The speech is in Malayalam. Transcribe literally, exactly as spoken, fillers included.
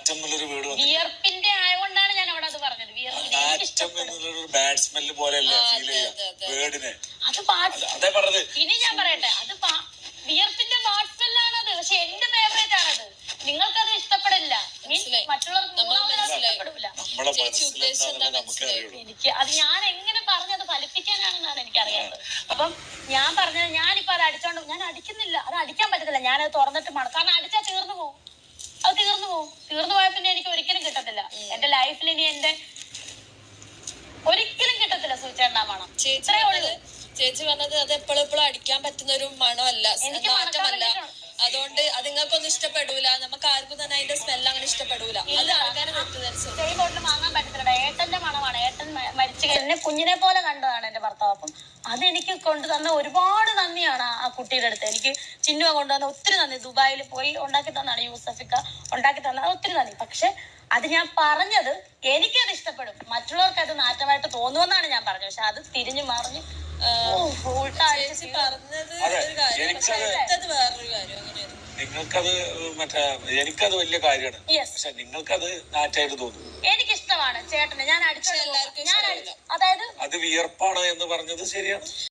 നാറ്റം എന്നുള്ളൊരു വീട് വിയർപ്പിന്റെ ആയതുകൊണ്ടാണ് ഞാൻ അവിടെ അത് പറഞ്ഞത്. നാറ്റം എന്നുള്ളൊരു ബാഡ് സ്മെല്ല് പോലെയല്ലേ ഫീൽ ചെയ്യാം വേർഡിനെ. അത് അതേ പറഞ്ഞത്. ഇനി ഞാൻ പറയട്ടെ, അത് വിയർപ്പിന്റെ ബാഡ് സ്മെല്ലാണത്. പക്ഷെ എന്റെ ഫേവറേറ്റ് ആണത്. നിങ്ങൾക്കത് ഇഷ്ടപ്പെടില്ല, മറ്റുള്ളവർക്ക് ഇഷ്ടപ്പെടില്ല. എനിക്ക് അത് ഞാൻ എങ്ങനെ പറഞ്ഞത് ഫലിപ്പിക്കാനാണെന്നാണ് എനിക്കറിയാത്തത്. അപ്പം ഞാൻ പറഞ്ഞത്, ഞാനിപ്പോ അത് അടിച്ചോണ്ട് ഞാൻ അടിക്കുന്നില്ല, അത് അടിക്കാൻ പറ്റത്തില്ല. ഞാനത് തുറന്നിട്ട് മണം, കാരണം അടിച്ചാൽ തീർന്നു പോകും. അത് തീർന്നു പോകും. തീർന്നു പോയാൽ പിന്നെ എനിക്ക് ഒരിക്കലും കിട്ടത്തില്ല. എന്റെ ലൈഫിൽ ഇനി എന്റെ ഒരിക്കലും കിട്ടത്തില്ല സൂചേണ്ട മണം. ചേച്ചി ചേച്ചി പറഞ്ഞത് അത് എപ്പോഴും എപ്പോഴും അടിക്കാൻ പറ്റുന്ന ഒരു മണമല്ല, മാറ്റമല്ല. അതുകൊണ്ട് അത് നിങ്ങൾക്കൊന്നും ഇഷ്ടപ്പെടൂല, നമുക്ക് ആർക്കും തന്നെ അതിന്റെ സ്മെല്ല് അങ്ങനെ ഇഷ്ടപ്പെടൂല. അത് ആൾക്കാരെ ബോട്ടിൽ വാങ്ങാൻ പറ്റത്തില്ല. ഏട്ടന്റെ മണമാണ്. ഏട്ടൻ മരിച്ചു എന്നെ കുഞ്ഞിനെ പോലെ കണ്ടതാണ് എന്റെ ഭർത്താവ്. അപ്പം അതെനിക്ക് കൊണ്ടുതന്ന ഒരുപാട് നന്ദിയാണ് ആ കുട്ടിയുടെ അടുത്ത്. എനിക്ക് ചിന്നുവ കൊണ്ടുവന്ന ഒത്തിരി നന്ദി. ദുബായിൽ പോയി ഉണ്ടാക്കി തന്നാണ് യൂസഫിക്ക ഉണ്ടാക്കി തന്നത്, ഒത്തിരി നന്ദി. പക്ഷെ അത് ഞാൻ പറഞ്ഞത് എനിക്കത് ഇഷ്ടപ്പെടും, മറ്റുള്ളവർക്ക് അത് നാറ്റമായിട്ട് തോന്നുമെന്നാണ് ഞാൻ പറഞ്ഞത്. പക്ഷെ അത് തിരിഞ്ഞു മറിഞ്ഞ് പറഞ്ഞത് ഒരു കാര്യം, വേറൊരു കാര്യം. നിങ്ങൾക്കത് മറ്റേ എനിക്കത് വലിയ കാര്യമാണ്. പക്ഷെ നിങ്ങൾക്കത് നാറ്റായിട്ട് തോന്നും. എനിക്കിഷ്ടമാണ് ചേട്ടന്. ഞാൻ അടിച്ച എല്ലാവർക്കും, അതായത് അത് വിയർപ്പാണ് എന്ന് പറഞ്ഞത് ശരിയാണ്.